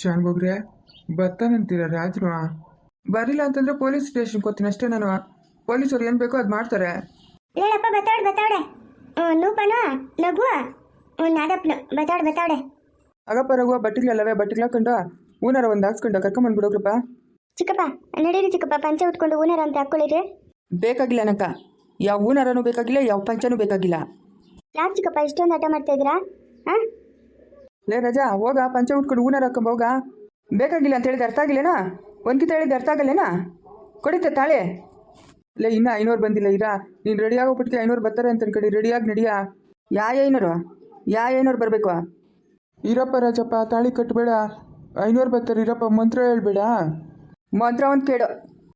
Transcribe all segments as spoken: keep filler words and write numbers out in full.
ಶಾನ್ಭೋಗ್ರೆ ಬರ್ತಾನಂತೀರ ರಾಜ್ರು ಬರಿಲ್ಲ ಅಂತಂದ್ರೆ ಪೊಲೀಸ್ ಸ್ಟೇಷನ್ಗೆ ಹೋಗ್ತೀನಿ ಅಷ್ಟೇ. ನಾನು ಪೊಲೀಸರು ಏನು ಬೇಕೋ ಅದು ಮಾಡ್ತಾರೆ. ಹೇಳಪ್ಪ ಬತ್ತಾವಡೆ ಬತ್ತಾವಡೆ ನೂಪನ ನಗು ನಾದಪ್ಪನು ಬತ್ತಾವಡೆ ಬತ್ತಾವಡೆ ಆಗಪ್ಪ ರಘುವ ಬಟ್ಟಿಗಳಲ್ಲವೇ ಬಟ್ಟಿಗಳು ಹಾಕೊಂಡು ಊನಾರ ಒಂದು ಹಾಕ್ಸ್ಕೊಂಡು ಕರ್ಕೊಂಬಂದ್ಬಿಡೋಗ್ರಪ್ಪ. ಚಿಕ್ಕಪ್ಪ ನಡೀರಿ ಚಿಕ್ಕಪ್ಪ ಪಂಚ ಉಟ್ಕೊಂಡು ಊನಾರ ಅಂತ ಹಾಕ್ಕೊಳ್ಳಿರಿ. ಬೇಕಾಗಿಲ್ಲ ನಕ್ಕ, ಯಾವ ಊನಾರನೂ ಬೇಕಾಗಿಲ್ಲ, ಯಾವ ಪಂಚನೂ ಬೇಕಾಗಿಲ್ಲ. ಯಾಕೆ ಚಿಕ್ಕಪ್ಪ ಇಷ್ಟೊಂದು ಆಟ ಮಾಡ್ತಾ ಇದ್ದೀರಾ? ಹಾಂ ಲೇ ರಜಾ ಹೋಗ ಪಂಚ ಉಟ್ಕೊಂಡು ಊನಾರ ಹಾಕೊಂಬ ಹೋಗ. ಬೇಕಾಗಿಲ್ಲ ಅಂತ ಹೇಳಿದ ಅರ್ಥ ಆಗಿಲ್ಲೇನಾ? ಒಂದ್ಕಿತ ಹೇಳಿದ ಅರ್ಥ ಆಗಲ್ಲೇನಾ? ಕೊಡಿತ ತಾಳೆ. ಲೇ ಇನ್ನೂ ಐನೂರು ಬಂದಿಲ್ಲ ಇರಾ, ನೀನು ರೆಡಿಯಾಗೋಗ್ಬಿಟ್ಟಿಗೆ ಐನೂರು ಬರ್ತಾರೆ ಅಂತ ಕಡೆ ರೆಡಿಯಾಗಿ ನಡಿಯಾ. ಯಾ ಐನೂರು ಯಾ ಐನೂರು ಬರಬೇಕು? ಇರಪ್ಪ ರಾಜಪ್ಪ ತಾಳಿ ಕಟ್ಟಬೇಡ, ಐನೂರು ಬರ್ತಾರೆ ಇರಪ್ಪ, ಮಂತ್ರ ಹೇಳ್ಬೇಡ. ಮಂತ್ರ ಒಂದು ಕೇಳು.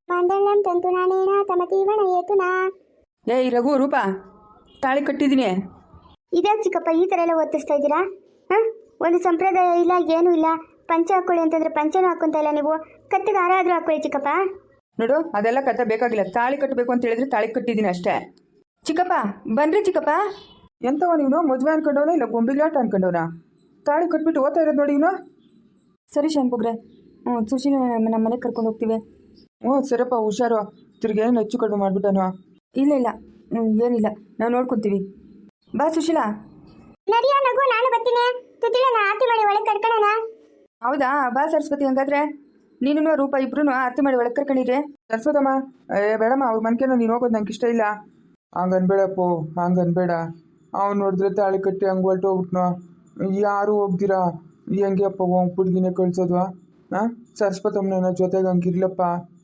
ಏ ರಘು ರೂಪ ತಾಳಿ ಕಟ್ಟಿದ್ದೀನಿ. ಇದೇ ಚಿಕ್ಕಪ್ಪ ಈ ಥರ ಎಲ್ಲ ಓದಿಸ್ತಾ ಇದ್ದೀರಾ? ಹಾಂ ಒಂದು ಸಂಪ್ರದಾಯ ಇಲ್ಲ ಏನೂ ಇಲ್ಲ. ಪಂಚ ಹಾಕ್ಕೊಳ್ಳಿ ಅಂತಂದ್ರೆ ಪಂಚನೂ ಹಾಕ್ಕೊಂತ ಇಲ್ಲ ನೀವು. ಕತ್ತಿಗೆ ಹಾರ ಆದರೂ ಹಾಕ್ಕೊಳ್ಳಿ ಚಿಕ್ಕಪ್ಪ. ನೋಡು ಅದೆಲ್ಲ ಕತೆ ಬೇಕಾಗಿಲ್ಲ, ತಾಳಿ ಕಟ್ಟಬೇಕು ಅಂತ ಹೇಳಿದ್ರೆ ತಾಳಿ ಕಟ್ಟಿದ್ದೀನಿ ಅಷ್ಟೇ. ಚಿಕ್ಕಪ್ಪ ಬನ್ರಿ ಚಿಕ್ಕಪ್ಪ. ಎಂತವ ನೀನು ಮದುವೆ ಅನ್ಕೊಂಡವನ ಇಲ್ಲ ಗೊಂಬಿಗ್ಲಾಟ ಅನ್ಕೊಂಡವನ? ತಾಳಿ ಕಟ್ಬಿಟ್ಟು ಓದ್ತಾ ಇರೋದು ನೋಡಿ ಇವನು. ಸರಿ ಶಾನ್ಭೋಗ್ರೆ, ಹ್ಞೂ ಸುಶೀಲ ನಮ್ಮ ಮನೆಗೆ ಕರ್ಕೊಂಡು ಹೋಗ್ತೀವಿ. ಹ್ಞೂ ಸರಪ್ಪ ಹುಷಾರು, ತಿರ್ಗಿ ಏನು ಹೆಚ್ಚು ಕಡಿಮೆ ಮಾಡಿಬಿಟ್ಟನು. ಇಲ್ಲ ಇಲ್ಲ ಹ್ಞೂ ಏನಿಲ್ಲ, ನಾವು ನೋಡ್ಕೊತೀವಿ. ಬಾ ಸುಶೀಲಾ. ನಡಿಯೋ ನಗು, ನಾನು ಬರ್ತೀನಿ. ತುತ್ತಿಳನ ಆರತಿ ಮಾಡಿ ಒಳಗೆ ಕರ್ಕೊಳ್ಳೋಣ. ಹೌದಾ, ಬಾ ಸರಸ್ವತಿ. ಹಂಗಾದ್ರೆ ನೀನು ರೂಪ ಇಬ್ರು ಆರತಿ ಮಾಡಿ ಒಳಗೆ ಕರ್ಕೊಂಡಿರಿ. ಸರಸ್ವತಮ್ಮ ಏ ಬೇಡಮ್ಮ, ಅವ್ರ ಮನ್ಕೇನೋ ನೀನು ಹೋಗೋದು ನಂಗೆ ಇಷ್ಟ ಇಲ್ಲ. ಹಂಗನ್ಬೇಡಪ್ಪೋ, ಹಂಗನ್ಬೇಡ. ಅವ್ನು ನೋಡಿದ್ರೆ ತಾಳಿ ಕಟ್ಟಿ ಹಂಗೆ ಹೊಲ್ಟು ಹೋಗ್ಬಿಟ್ನೋ. ಯಾರು ಹೋಗ್ದಿರಾ ಹೆಂಗೆ ಅಪ್ಪ ಹೋಗಿ ಹುಡುಗಿನೇ ಕಳ್ಸೋದ್ವಾ? ಹಾಂ ಸರಸ್ವತಮ್ಮನ ಜೊತೆಗೆ ಹಂಗಿರ್ಲಪ್ಪ.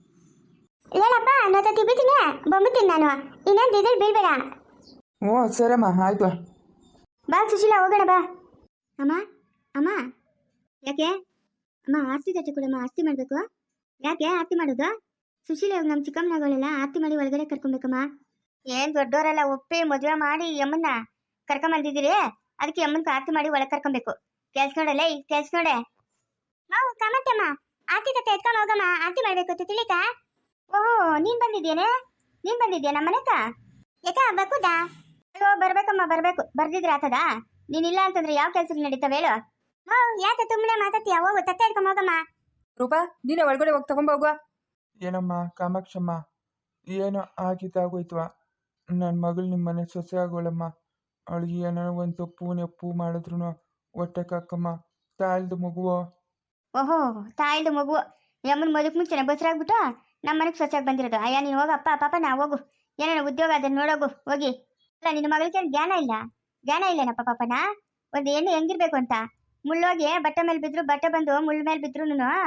ಹೇಳಪ್ಪ ನಾನು ತಿಬ್ಬಿತೀನಿ ಬಂಬಿತೀನಿ ನಾನು. ಇನ್ನೇನು ದಿದಿಲ್ ಬೀಳ್ಬೇಡ. ಹ್ಞೂ ಸರಮ್ಮ ಆಯ್ತು. ಬಾ ಸುಶೀಲಾ ಹೋಗೋಣ ಬಾ. ಅಮ್ಮ ಅಮ್ಮ ಯಾಕೆ ಅಮ್ಮ ಆರತಿ ತಟ್ಟೆ ಕೊಡಮ್ಮ, ಆರತಿ ಮಾಡಬೇಕು. ಯಾಕೆ ಆರತಿ ಮಾಡೋದು? ಸುಶೀಲ ಇವಾಗ ನಮ್ಮ ಚಿಕ್ಕಮ್ಮನಗಳೆಲ್ಲ ಆರತಿ ಮಾಡಿ ಒಳಗಡೆ ಕರ್ಕೊಬೇಕಮ್ಮ. ಏನು ದೊಡ್ಡವರೆಲ್ಲ ಒಪ್ಪಿ ಮದುವೆ ಮಾಡಿ ಯಮ್ಮನ್ನ ಕರ್ಕೊಂಬಂದಿದ್ದೀರಿ, ಅದಕ್ಕೆ ಯಮ್ಮನ್ಗೆ ಆರತಿ ಮಾಡಿ ಒಳಗೆ ಕರ್ಕೊಬೇಕು. ಕೆಲ್ಸ ನೋಡಲ್ಲ ಈ ಕೆಲ್ಸ ನೋಡೆ. ನಾವು ಕಮತ್ತಮ್ಮ ಆರತಿ ತಟ್ಟೆ ಎತ್ಕೊಂಡು ಹೋಗಮ್ಮ, ಆರತಿ ಮಾಡಬೇಕು ತಿಳಿಕ. ಓಹೋ ನೀನು ಬಂದಿದ್ದೇನೆ, ನೀನು ಬಂದಿದ್ಯಾ ನಮ್ಮ ಮನೆಕ? ಯಾಕ ಬಕುದಾ? ಅಯ್ಯೋ ಬರ್ಬೇಕಮ್ಮ ಬರ್ಬೇಕು, ಬರ್ದಿದ್ರೆ ಆತದ. ನೀನಿಲ್ಲ ಅಂತಂದ್ರೆ ಯಾವ ಕೆಲ್ಸಕ್ಕೆ ನಡೀತಾವೆ ಹೇಳು. ಹೋ ಯಾಕೆ ಸುಮ್ಮನೆ ಮಾತಾಡ್ತೀಯ? ಹೋಗು ತಟ್ಟೆ ಎತ್ಕೊಂಡು ಹೋಗಮ್ಮ. ರೂಪಾ ನೀನೇ ಒಳಗಡೆ ಹೋಗಿ ತಗೊಂಬ ಹೋಗುವ. ಏನಮ್ಮ ಕಾಮಾಕ್ಷಮ್ಮ, ಏನೋ ಆಗಿದ್ದಾಗೋಯ್ತವ. ನನ್ನ ಮಗಳು ನಿಮ್ಮ ಮನೆ ಸೊಸೆ ಆಗೋಳಮ್ಮ. ಅವಳಿಗೆ ಏನೋ ಒಂದು ತಪ್ಪು ನೆಪ್ಪು ಮಾಡಿದ್ರು ಹೊಟ್ಟೆ ಕಾಕಮ್ಮ. ತಾಳ್ದು ಮಗುವೋ. ಓಹೋ ತಾಯಿಲ್ದು ಮಗು ಯಮ್ಮನ ಮದುವೆ ಮುಂಚೆನೆ ಬಸರಾಗ್ಬಿಟ್ಟು ನಮ್ಮ ಮನೆಗೆ ಸ್ವಚ್ಛಾಗಿ ಬಂದಿರೋದು. ಅಯ್ಯ ನೀನು ಹೋಗಪ್ಪ ಪಾಪ ನಾ ಹೋಗು, ಏನೇನೋ ಉದ್ಯೋಗ ಅದನ್ನ ನೋಡೋಗು ಹೋಗಿ. ಅಲ್ಲ ನಿನ್ನ ಮಗಳಿಗೆ ಜ್ಞಾನ ಇಲ್ಲ, ಜ್ಞಾನ ಇಲ್ಲೇನಪ್ಪ ಪಾಪನ. ಒಂದು ಹೆಣ್ಣು ಹೆಂಗಿರ್ಬೇಕು ಅಂತ ಮುಳ್ಳೋಗಿ ಬಟ್ಟೆ ಮೇಲೆ ಬಿದ್ರು, ಬಟ್ಟೆ ಬಂದು ಮುಳ್ಳ ಮೇಲೆ ಬಿದ್ರು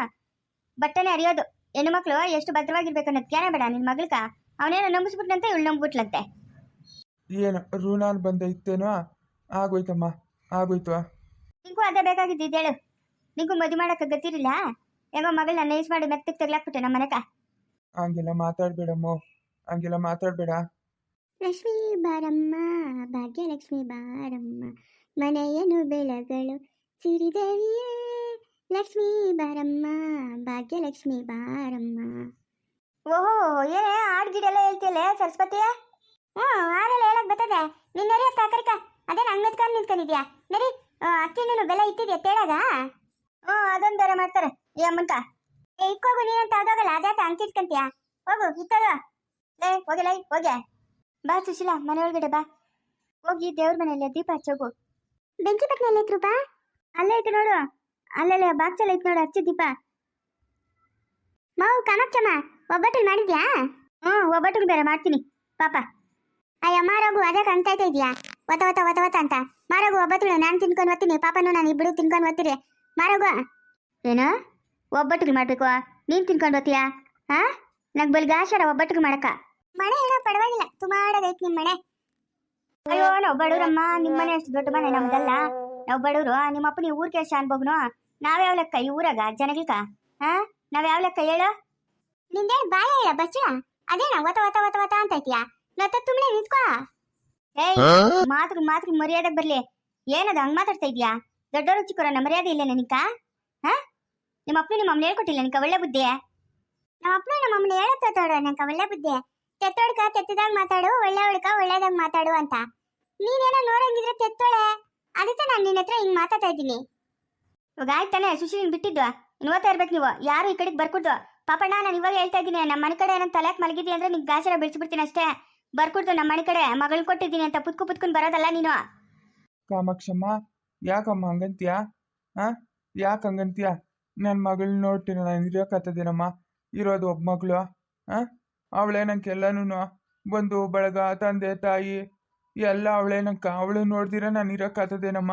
ಬಟ್ಟೆನೇ ಅರಿಯೋದು. ಹೆಣ್ಣು ಮಕ್ಕಳು ಎಷ್ಟು ಭದ್ರವಾಗಿರ್ಬೇಕು ಅನ್ನೋದು ಜ್ಞಾನ ಬೇಡ ನಿನ್ನ ಮಗಳ್ಕ. ಅವನೇನೋ ನಂಬಿಸ್ಬಿಟ್ನಂತೆ ಇವಳು ನಂಬಿಬಿಟ್ಲಂತೆ. ಏನು ಋಣಾಲ್ ಬಂದೈತೇನೋ? ಆಗೋಯ್ತಮ್ಮ ಆಗೋಯ್ತು. ನಿಂಗೂ ಅದೇ ಬೇಕಾಗಿದ್ದೇಳು. ನಿಂಗೂ ಮದುವೆ ಮಾಡಕ್ಕೆ ಗತಿರಿಲ್ಲ. ಹೆಂಗೋ ಮಗಳನ್ನ ನೈಸ್ ಮಾಡಿ ಮೆತ್ತಗೆ ತೆಗ್ಲಾಕ್ಬಿಟ್ಟೆ ನಮ್ಮ ಮನೆಕ. ಹಂಗೆಲ್ಲ ಮಾತಾಡ್ಬೇಡಮ್ಮ, ಹಂಗೆಲ್ಲ ಮಾತಾಡ್ಬೇಡ. ಲಕ್ಷ್ಮೀ ಬಾರಮ್ಮ ಭಾಗ್ಯಲಕ್ಷ್ಮಿ ಬಾರಮ್ಮ, ಮನೆಯನು ಬೆಳಗಳು ಸಿರಿದೇವಿಯೇ. ಲಕ್ಷ್ಮೀ ಬಾರಮ್ಮ ಭಾಗ್ಯಲಕ್ಷ್ಮಿ ಬಾರಮ್ಮ. ಓಹೋ ಏನೇ ಹಾಡು ಗಿಡೆಲ್ಲ ಹೇಳ್ತಿಯಲ್ಲ ಸರಸ್ವತಿಯ? ಹ್ಞೂ ಹಾಡೆಲ್ಲ ಹೇಳಕ್ ಬರ್ತದೆ. ನೀನು ನರಿ ಅತ್ತ ಕರಿಕ, ಅದೇ ನಂಗೆ ಮೆತ್ಕೊಂಡು ನಿಂತ್ಕೊಂಡಿದ್ಯಾ ನರಿ. ಅಕ್ಕಿನೂ ಬೆಲೆ ಇಟ್ಟಿದ್ಯಾ ತೇಳಾಗ? ಹ್ಞೂ ಅದೊಂದು ಬೇರೆ ಮಾಡ್ತಾರೆ ಈ ಅಮ್ಮನ್ಕ. ಏ ಇಕ್ಕೋಗು ನೀನಂತ ಅದೋಗಲ್ಲ, ಅದ್ಯಾಕೆ ಅಂಕಿಟ್ಕಂತೀಯ? ಹೋಗು ಇತ್ತದ ಲೇ ಹೋಗಿಲ್ಲ ಹೋಗ್ಯಾ. ಬಾ ಸುಶೀಲಾ ಮನೆ ಒಳಗಡೆ ಬಾ. ಹೋಗಿ ದೇವ್ರ ಮನೆಯಲ್ಲ ದೀಪ ಹಚ್ಚೋಗು. ಬೆಂಕಿ ಪಟ್ನೆ ಎಲ್ಲ ಐತ್ರು ಬಾ. ಅಲ್ಲೇ ಐತೆ ನೋಡು, ಅಲ್ಲಲ್ಲೇ ಬಾಕ್ಸಲ್ಲಿ ಐತೆ ನೋಡು, ಹಚ್ಚು ದೀಪ. ಮಾವು ಕಾಮಾಕ್ಷಮ್ಮ ಒಬ್ಬಟ್ಟು ಮಾಡಿದ್ಯಾ? ಹ್ಞೂ ಒಬ್ಬಟ್ಟು ಬೇರೆ ಮಾಡ್ತೀನಿ ಪಾಪ. ಅಯ್ಯ ಮಾರೋಗು ಅದಕ್ಕೆ ಅಂತೈತೆ ಇದೆಯಾ ಒತ್ತ ಒತ್ತ ಒತ್ತ ಒತ್ತ ಅಂತ. ಮಾರೋಗು ಒಬ್ಬಟ್ಟು ನಾನು ತಿನ್ಕೊಂಡು ಓದ್ತೀನಿ, ಪಾಪನು ನಾನು ಇಬ್ಬರು ತಿನ್ಕೊಂಡು ಓದ್ತೀರಿ. ಮಾರೋಗು ಏನು ಒಬ್ಬಟ್ಟಿಗೆ ಮಾಡಬೇಕು, ನೀನು ತಿನ್ಕೊಂಡು ಓದ್ತೀಯಾ? ಹಾಂ ನಂಗೆ ಬಲ್ಗಾಶಾರ ಒಬ್ಬಟ್ಟಿಗೆ ಮಾಡಕ್ಕ. ಮನೆ ಏನೋ ಪರವಾಗಿಲ್ಲ, ತುಂಬಾಡದೈತೆ ನಿಮ್ಮ ಮನೆ. ಅಯ್ಯೋ ನಾವು ಬಡವ್ರಮ್ಮ, ನಿಮ್ಮ ಮನೆ ಅಷ್ಟು ದೊಡ್ಡ ಮನೆ ನಮ್ದಲ್ಲ. ನಾವು ಬಡವರು. ನಿಮ್ಮ ಅಪ್ಪ ನೀವು ಊರ್ ಕೆಲಸ ಅನ್ಬೋಗ್ನು. ನಾವ್ಯಾವ ಲೆಕ್ಕ ಈ ಊರಾಗ ಜನಗಳ್ಕ? ಹಾ ನಾವ್ಯಾವ ಲೆಕ್ಕ ಹೇಳು? ನಿಂದೇನು ಬಾಯ ಹೇಳ ಬಚ್ಚ, ಅದೇನ ಒತ ಒತ ಒತ ಒತ ಅಂತ ಐತಿಯಾ? ನತ್ತ ತುಂಬಳೆ ನಿಂತ್ಕೋ. ಏಯ್ ಮಾತು ಮಾತು ಮರ್ಯಾದಾಗ ಬರ್ಲಿ. ಏನದ ಹಂಗ್ ಮಾತಾಡ್ತಾ ಇದೀಯಾ? ದೊಡ್ಡವರು ಚಿಕ್ಕವರನ್ನ ಮರ್ಯಾದೆ ಇಲ್ಲ ನಿನಕ? ಹಾ ನಿಮ್ಮ ಅಪ್ಪನು ನಿಮ್ಮ ಅಮ್ಮನ ಹೇಳ್ಕೊಟ್ಟಿಲ್ಲ ನಿನಕ ಒಳ್ಳೆ ಬುದ್ಧಿ? ನಮ್ಮ ಅಪ್ಪನು ನಮ್ಮ ಅಮ್ಮನ ಹೇಳತ್ತೋಡ ನಂಕ ಒಳ್ಳೆ ಬುದ್ಧಿ. ತೆತ್ತೋಡ್ಕ ತೆತ್ತದಾಗ ಮಾತಾಡು, ಒಳ್ಳೆ ಒಳ್ಕ ಒಳ್ಳೇದಾಗ ಮಾತಾಡು ಅಂತ. ನೀನೇನೋ ನೋಡಂಗಿದ್ರೆ ತೆತ್ತೋಳೆ, ಅದಕ್ಕೆ ನಾನು ನಿನ್ನ ಹತ್ರ ಹಿಂಗ್ ಮಾತಾಡ್ತಾ ಇದ್ದೀನಿ. ಇವಾಗ ಆಯ್ತಾನೆ ಸುಶೀಲಿನ ಬಿಟ್ಟಿದ್ದು ಇನ್ನು ಓದ್ತಾ ಇರ್ಬೇಕು ನೀವು ಯಾರು ಈ ಕಡೆಗೆ ಬರ್ಕೊಡ್ದು ಪಾಪಣ್ಣ ನಾನು ಇವಾಗ ಹೇಳ್ತಾ ಇದ್ದೀನಿ ನಮ್ಮ ಮನೆ ಕಡೆ ಏನಂತ ತಲೆಕ್ ಮಲಗಿದ್ದಿ ಅಂದ್ರೆ ನಿಂಗೆ ಗಾಜರ ಬಿಡಿಸ್ಬಿಡ್ತೀನಿ ಅಷ್ಟೇ ಬರ್ಕೊಡ್ದು ನಮ್ಮ ಮನೆ ಕಡೆ ಮಗಳ್ ಕೊಟ್ಟಿದ್ದೀನಿ ಅಂತ ಪುತ್ಕು ಪುತ್ಕೊಂಡು ಬರೋದಲ್ಲ ನೀನು. ಕಾಮಾಕ್ಷಮ್ಮ ಯಾಕಮ್ಮ ಹಂಗಂತೀಯ ಹಾಂ ಯಾಕೆ ಹಂಗಂತೀಯ ನನ್ನ ಮಗಳನ್ನ ನೋಡ್ತೀನಿ ನಾನು ಇರೋಕತ್ತದೇನಮ್ಮ ಇರೋದು ಒಬ್ಬ ಮಗಳು ಹಾಂ ಅವಳೇ ನಂಗೆ ಎಲ್ಲನೂ ಬಂದು ಬಳಗ ತಂದೆ ತಾಯಿ ಎಲ್ಲ ಅವಳೇ ನಂಗೆ ಅವಳು ನೋಡ್ದಿರ ನಾನು ಇರೋಕತ್ತದೇನಮ್ಮ.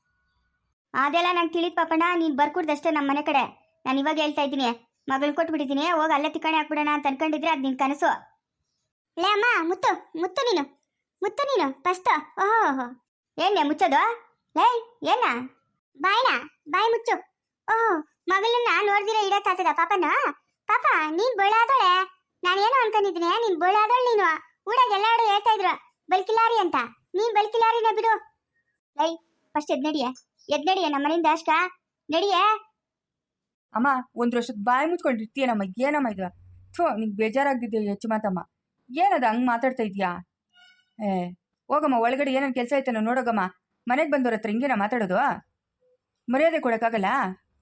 ಅದೆಲ್ಲ ನಂಗೆ ತಿಳಿದ್ ಪಾಪಣ್ಣ ನೀನು ಬರ್ಕೊಡ್ದಷ್ಟೇ ನಮ್ಮ ಮನೆ ಕಡೆ ನಾನು ಇವಾಗ ಹೇಳ್ತಾ ಇದ್ದೀನಿ ಮಗಳ್ ಕೊಟ್ಬಿಟ್ಟಿದ್ದೀನಿ ಹೋಗಿ ಅಲ್ಲೇ ತಿಕ್ಕಣೆ ಹಾಕ್ಬಿಡೋಣ ಅಂತ ಅನ್ಕೊಂಡಿದ್ರೆ ಅದು ನಿನ್ ಕನಸು. ಲೇ ಅಮ್ಮ ಮುತ್ತು ಮುತ್ತು ನೀನು ಮುತ್ತು ನೀನು ಫಸ್ಟ್ ಓಹೋ ಏನೇ ಮುಚ್ಚೋದು ಲೇ ಏನ ಬಾಯ್ನ ಬಾಯ್ ಮುಚ್ಚು. ಓಹ್ ಮಗಳನ್ನ ನೋಡ್ದಿರ ಇಡಕ್ಕಾಗ್ತದ ಪಾಪನ ಪಾಪ ನೀನ್ ಬೊಳಾದೋಳೆ ನಾನೇನು ಅನ್ಕೊಂಡಿದ್ದೀನಿ ನೀನ್ ಬೊಳಾದೋಳ್ ನೀನು ಊರಾಗ ಎಲ್ಲಾರು ಹೇಳ್ತಾ ಇದ್ರು ಬಲ್ಕಿಲಾರಿ ಅಂತ ನೀನ್ ಬಲ್ಕಿಲಾರಿನ ಬಿಡು. ಲೈ ಫಸ್ಟ್ ಎದ್ ನಡಿಯೇ ಎದ್ ನಡಿಯೇ ನಮ್ಮ ಮನೆಯಿಂದ ಅಷ್ಟ ನಡಿಯೇ. ಅಮ್ಮ ಒಂದು ವರ್ಷದ ಬಾಯಿ ಮುಚ್ಕೊಂಡಿರ್ತೀಯನಮ್ಮ ಏನಮ್ಮ ಇದು ಥೋ ನಿಂಗೆ ಬೇಜಾರಾಗ್ತಿದ್ದೆ ಹೆಚ್ಚು ಮಾತಮ್ಮ ಏನದು ಹಂಗೆ ಮಾತಾಡ್ತಾ ಇದೀಯಾ. ಏ ಹೋಗಮ್ಮ ಒಳಗಡೆ ಏನೇನು ಕೆಲಸ ಆಯ್ತಾನೋ ನೋಡೋಗಮ್ಮ ಮನೆಗೆ ಬಂದವ್ರ ಹತ್ರ ಹಿಂಗೇನ ಮಾತಾಡೋದು ಮರ್ಯಾದೆ ಕೊಡೋಕ್ಕಾಗಲ್ಲ.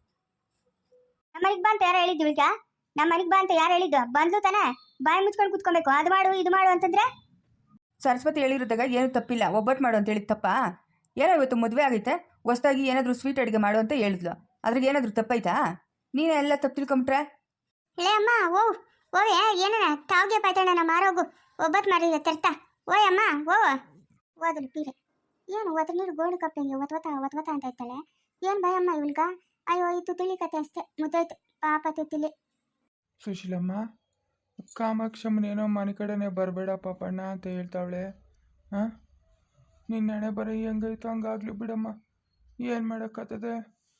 ನಮ್ಮ ಮನೆಗೆ ಬಾ ಅಂತ ಯಾರು ಹೇಳಿದ್ದು ಈಗ ನಮ್ಮ ಮನೆಗೆ ಬಾ ಅಂತ ಯಾರು ಹೇಳಿದ್ದು ಬಂದ್ಲು ತಾನೆ ಬಾಯಿ ಮುಚ್ಕೊಂಡು ಕುತ್ಕೊಬೇಕು ಅದು ಮಾಡು ಇದು ಮಾಡು ಅಂತಂದ್ರೆ. ಸರಸ್ವತಿ ಹೇಳಿರೋದಾಗ ಏನು ತಪ್ಪಿಲ್ಲ ಒಬ್ಬಟ್ಟು ಮಾಡು ಅಂತ ಹೇಳಿದ ತಪ್ಪಾ ಏನೋ ಇವತ್ತು ಮದುವೆ ಆಗೈತೆ ಹೊಸ್ದಾಗಿ ಏನಾದರೂ ಸ್ವೀಟ್ ಅಡುಗೆ ಮಾಡು ಅಂತ ಹೇಳಿದ್ಲು ಅದ್ರಾಗ ಏನಾದರೂ ತಪ್ಪಾಯ್ತಾ ನೀನೇ ಎಲ್ಲ ತಪ್ಪು ತಿಳ್ಕೊಂಬಿಟ್ರೆ. ಲೇ ಅಮ್ಮ ಓ ಓವೆ ಏನನ ತಾವ್ಗೆ ಪಾಯ್ತಾಣ ಮಾರೋಗು ಒಬ್ಬತ್ತು ಮಾರಿದ ತರ್ತಾ ಓಯ್ ಅಮ್ಮ ಓ ಓದಲು ಪೀರೆ ಏನು ಒತ್ತ ನೀರು ಗೋಲ್ಡ್ ಕಪ್ ಹಿಂಗೆ ಒತ್ವತ ಒತ್ವತ ಅಂತ ಇರ್ತಾಳೆ ಏನು ಭಯಮ್ಮ ಇವಳ್ಗ ಅಯ್ಯೋ ಇದು ತಿಳಿ ಕತೆ ಅಷ್ಟೇ ಮುದ್ದಾಯ್ತು ಪಾಪ ತಿಳಿ. ಸುಶೀಲಮ್ಮ ಕಾಮಾಕ್ಷಮ್ಮನೇನೋ ಮನೆ ಕಡೆನೇ ಬರಬೇಡ ಪಾಪಣ್ಣ ಅಂತ ಹೇಳ್ತಾವಳೆ ಹಾಂ ನಿನ್ನ ಹಣೆ ಬರೀ ಹೆಂಗೈತೋ ಹಂಗಾಗ್ಲಿ ಬಿಡಮ್ಮ ಏನು ಮಾಡೋಕ್ಕತ್ತದೆ.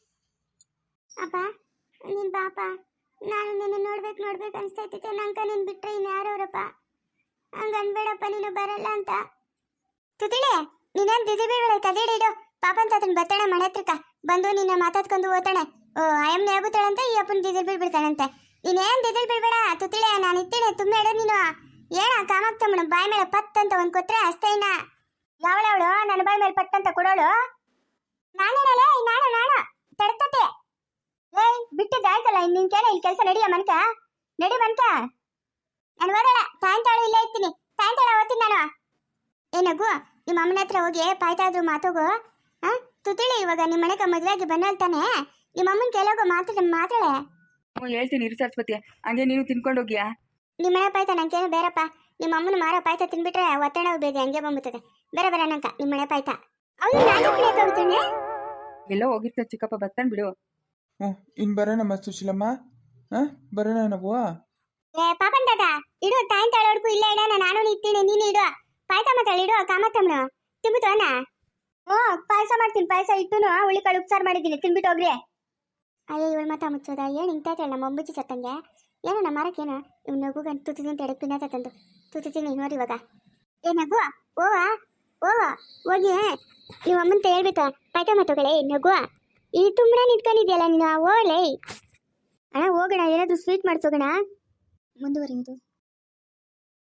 ಅಪ್ಪ ನೀನ್ ಬಾಪ ನಾನು ನಿನ್ನ ನೋಡ್ಬೇಕು ನೋಡ್ಬೇಕು ಅನ್ಸ್ತೈತಿತ್ತು ನಂಗೆ ನೀನು ಬಿಟ್ರೆ ಇನ್ನು ಯಾರವ್ರಪ್ಪ ಹಂಗ ಅನ್ಬೇಡಪ್ಪ ನೀನು ಬರಲ್ಲ ಅಂತ. ತುತಿಳೆ ನೀನೇನು ದಿದಿ ಬೀಳ್ಬೇಡ ಕದಿಡಿಡು ಪಾಪನ್ ತಾತನ ಬತ್ತಾಳೆ ಮನೆ ಹತ್ರಕ್ಕ ಬಂದು ನಿನ್ನ ಮಾತಾಡ್ಕೊಂಡು ಓದ್ತಾಳೆ. ಓ ಅಯ್ಯಮ್ಮನ ಹೇಳ್ಬಿಡ್ತಾಳಂತೆ ಈ ಅಪ್ಪನ ದಿದಿಲ್ ಬೀಳ್ಬಿಡ್ತಾಳಂತೆ ನೀನೇನು ದಿದಿಲ್ ಬೀಳ್ಬೇಡ ತುತಿಳೆ ನಾನು ಇತ್ತೇನೆ ತುಂಬ ಇಡು ನೀನು ಏನ ಕಾಮಾಕ್ತಮ್ಮನ ಬಾಯಿ ಮೇಲೆ ಪತ್ ಅಂತ ಒಂದು ಕೊಟ್ರೆ ಅಷ್ಟೇನ. ಯಾವಳವಳು ನನ್ನ ಬಾಯಿ ಮೇಲೆ ಪಟ್ ಅಂತ ಕೊಡೋಳು ನಾನೇನಲೇ ನಾನು ನಾನು ತಡ್ತತೆ. ಏಯ್ ಬಿಟ್ಟಿದ್ದಾಯ್ತಲ್ಲ ಇನ್ನು ನಿನ್ಕೇನ ಇಲ್ಲಿ ಕೆಲಸ ನಡಿಯ ಮನ್ಕ ನಡಿ ಮನ್ಕ ನಾನು ಹೋಗಲ್ಲ ಸಾಯಂಕಾಲ ಇಲ್ಲೇ ಇರ್ತೀನಿ ಸಾಯಂಕಾಲ ಓದ್ತೀನಿ ನಾನು. ಏನಗು ನಿಮ್ಮ ಅಮ್ಮನ ಹತ್ರ ಹೋಗಿ ಪಾಯ್ತಾದ್ರು ಮಾತೋಗು ಹಾ ತುತಿಳಿ ಇವಾಗ ನಿಮ್ಮ ಮನೆಗೆ ಮದುವೆಯಾಗಿ ಬಂದಲ್ತಾನೆ ನಿಮ್ಮ ಅಮ್ಮನ ಕೆಲೋಗು ಮಾತಾಡ ಮಾತಾಳೆ. ಹ್ಞೂ ಹೇಳ್ತೀನಿ ಇರು ಸರಸ್ವತಿ ಹಂಗೆ ನೀನು ತಿನ್ಕೊಂಡು ಹೋಗ್ಯಾ. ನಿಮ್ಮ ಮನೆ ಪಾಯ್ತ ನಂಗೇನು ಬೇರಪ್ಪ ನಿಮ್ಮ ಅಮ್ಮನ ಮಾರೋ ಪಾಯ್ತ ತಿನ್ಬಿಟ್ರೆ ಒತ್ತಡ ಬೇಗ ಹಂಗೆ ಬಂದ್ಬಿಡ್ತದೆ ಬೇರೆ ಬೇರೆ ನಂಕ ನಿಮ್ಮ ಮನೆ ಪಾಯ್ತ ಅವನು ನಾನು ಎಲ್ಲೋ ಹೋಗಿರ್ತಾರೆ ಚಿಕ್ಕಪ್ಪ ಬರ್ತಾನೆ ಬಿಡು. ಹ್ಞೂ ಇನ್ನು ಬರೋಣಮ್ಮ ಸುಶೀಲಮ್ಮ ಹಾಂ ಬರೋಣ ನಾವು. ಏ ಪಾಪನ್ ತಾತ ಇಡು ತಾಯಿನ ತಾಳೋಡ್ಕು ಇಲ್ಲ ಇಡೋಣ ನಾನು ನಿಂತೀನಿ ನೀನು ಇಡು ಪಾಯಸ ಮಾತಾಡಿ ಇಡು ಕಾಮತ್ತಮ್ಮನು ತಿಂಬಿಟ್ಟು ಅಣ್ಣ. ಹ್ಞೂ ಪಾಯಸ ಮಾಡ್ತೀನಿ ಪಾಯಸ ಇಟ್ಟುನು ಹುಳಿ ಕಾಳು ಉಪ್ಸಾರು ಮಾಡಿದ್ದೀನಿ ತಿನ್ಬಿಟ್ಟು ಹೋಗ್ರಿ. ಅಯ್ಯೋ ಇವಳು ಮಾತಾ ಮುಚ್ಚೋದ ಏನು ಹಿಂಗ್ತಾಯ್ತು ನಮ್ಮ ಮೊಂಬಿಚ್ಚಿ ಸತ್ತಂಗೆ ಏನೋ ನಮ್ಮ ಮರಕ್ಕೇನು ಇವ್ ನಗುಗ ತುತ್ತಿನ ತೆಡಕ್ ಪಿನ್ನ ತಂದು ತುತ್ತಿನಿ ನೋಡಿ ಇವಾಗ ಏ ನಗು ಓವ ಓವ ಹೋಗಿ ನೀವು ಅಮ್ಮಂತ ಹೇಳ್ಬೇಕು ಪಾಯ್ತ ಮಾತುಗಳೇ ನಗು ಈ ತುಂಬಾ ನಿಂತ್ಕೊಂಡಿದ್ಯಲ್ಲ ನೀನು ಓಲೇ ಅಣ್ಣ ಹೋಗೋಣ ಏನಾದರೂ ಸ್ವೀಟ್ ಮಾಡಿಸೋಗೋಣ ಮುಂದುವರಿಯುವುದು.